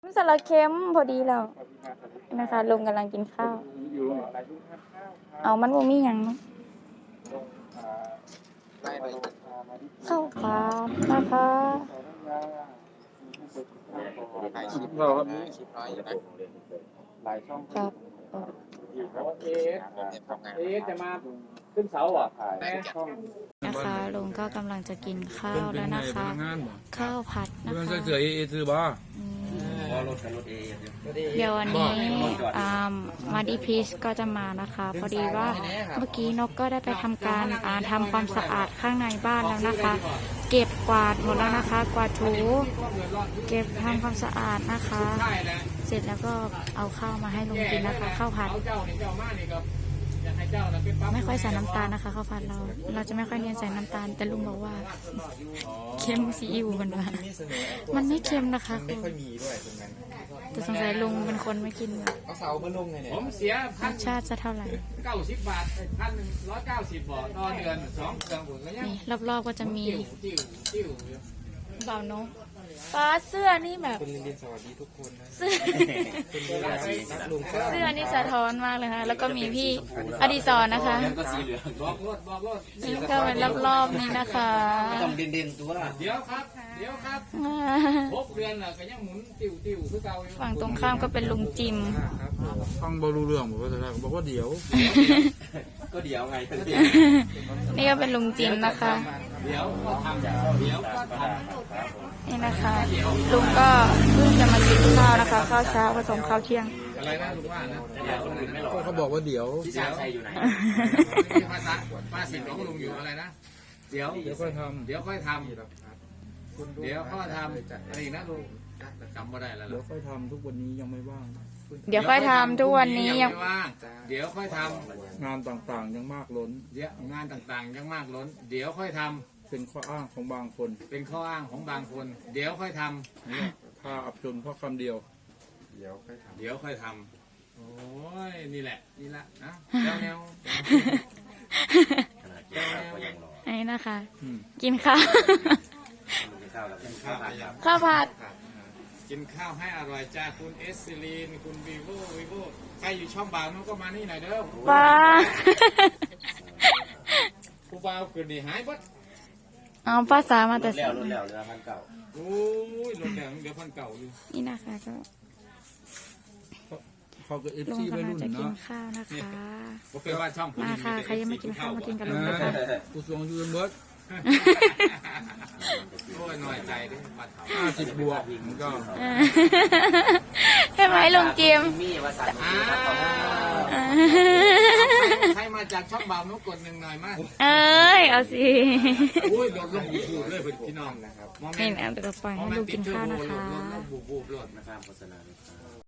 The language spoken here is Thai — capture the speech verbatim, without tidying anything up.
มันสลัดเค็มพอดีแล้วนะคะลุงกำลังกินข้าวเอามันบ่มีหยังเนาะข้าวผัดนะคะเราครับมีคลิปน้อยอยู่นะหลายช่องครับเอสเอสจะมาขึ้นเสาอ่ะแม่ช่องนะคะลุงก็กำลังจะกินข้าวแล้วนะคะ ข้าวผัดนะมันคะใส่เสื้อเอเอซื้อบ่อืมรถรถเอเดี๋ยววันนี้อ่ามาดีพีชก็จะมานะคะ พอดีว่าเมื่อกี้นกก็ได้ไปทำการอ่าทำความสะอาดข้างในบ้านแล้วนะคะ เก็บกวาดหมดแล้วนะคะ กวาดถูเก็บทำความสะอาดนะคะ เสร็จแล้วก็เอาข้าวมาให้ลุงกินนะคะข้าวผัดไม่ค่อยใส่น้ำตาลนะคะข้าวผัดเราเราจะไม่ค่อยเน้นใส่น้ำตาลแต่ลุงบอกว่าเค็มซีอิ๊วมันว่ามันไม่เค็มนะคะไม่ค่อยมีด้วยตรงนั้นแต่สงสัยลุงเป็นคนไม่กินเอาเสามาลงไงเนี่ยผมเสียรสชาติจะเท่าไหร่เก้าสิบบาทพันหนึ่งร้อยเก้าสิบบาทต่อเดือนสองเดือนผมก็ยังนี่รอบๆก็จะมีจิ้วจิ้วจิ้วเบาเนาะฟ้าเสื้อนี่แบบคุณลินดินสวัสดีทุกคนนะเสื้อคุณลินรักลุงเสื้อนี่สะท้อนมากเลยค่ะแล้วก็มีพี่อดิศรนะคะก็สีเหลืองบอกรถบอกรถนี่ก็เป็นรอบๆนี้นะคะต้องเด่นเด่นตัวเดี๋ยวครับ เดี๋ยวครับหกเดือนน่ะก็ยังหมุนติ้วติ้วคือเก่าอยู่ฝั่งตรงข้ามก็เป็นลุงจิมฟังบ่รู้เรื่องบอกว่าจะบอกว่าเดี๋ยวก็เดี๋ยวไงก็เดี๋ยวนี่ก็เป็นลุงจิมนะคะเดี๋ยวก็ทำเดี๋ยวก็ทำนี่นะคะลุงก็เพิ่งจะมากินข้าวนะคะข้าวเช้าผสมข้าวเที่ยงอะไรนะลุงว่านะก็เขาบอกว่าเดี๋ยวพี่ชาชัยอยู่ไหนภาษาภาษิตของลุงอยู่อะไรนะเดี๋ยวเดี๋ยวค่อยทเดี๋ยวค่อยทำเดี๋ยวค่อยทำอะไรอีกนะลุงจำไม่ได้แล้วำเดี๋ยวค่อยทำทุกวันนี้ยังไม่ว่างเดี๋ยวค่อยทำทุกวันนี้ยังไม่ว่างเดี๋ยวค่อยทำงานต่างๆยังมากล้นเดี๋ยวงานต่างๆยังมากล้น เดี๋ยวค่อยทำเป็นข้ออ้างของบางคนเป็นข้ออ้างของบางคน เดี๋ยวค่อยทำนี่ถ้าอับจนเพราะคำเดียวเดี๋ยวค่อยทเดี๋ยวค่อยทำโอ้ยนี่แหละนี่ละนะแนวแนวำก็ยังรอไอ้นะคะอืมกินข้าวกินข้าวแล้วกินข้าวครับข้าวผัดกินข้าวให้อร่อยจ้าคุณเอสซิลีนคุณวีโววีโวใครอยู่ช่องบ่าวนู้นก็มานี่หน่อยเด้อปลาผู้บ่าวคืนนี้หายบัดเอาภาษามาแต่แล้วรุ่นแล้วเรือพันเก่าโอ้ยรถแดงเดี๋ยวพันเก่าอยู่นี่นะคะก็เขาก็เอฟลุงซีไปกำลังรุ่นจะกินเนาะข้าวนะคะผมเคยว่าช่องมาค่ะใครยังไม่กินข้าวมากินกับลุงนะคะกูส่งยูเอ็มเบิร์ดโอ้ยหน่อยใจด้วยปัดเขาห้าสิบบวกมันก็ใช่ไหมลุงจิมมีภาษาอ่าใครมาจากช่องบ่าวนู้นกดหนึ่งหน่อยมาเอ้ยเอาสิโอ้ยโดนลงบูบเลยพี่น้องนะครับนี่นะเดี๋ยวเราปล่อยให้ลุงกินข้าวนะคะโดนลงบูบบูบเลยนะครับโฆษณาเลยครับ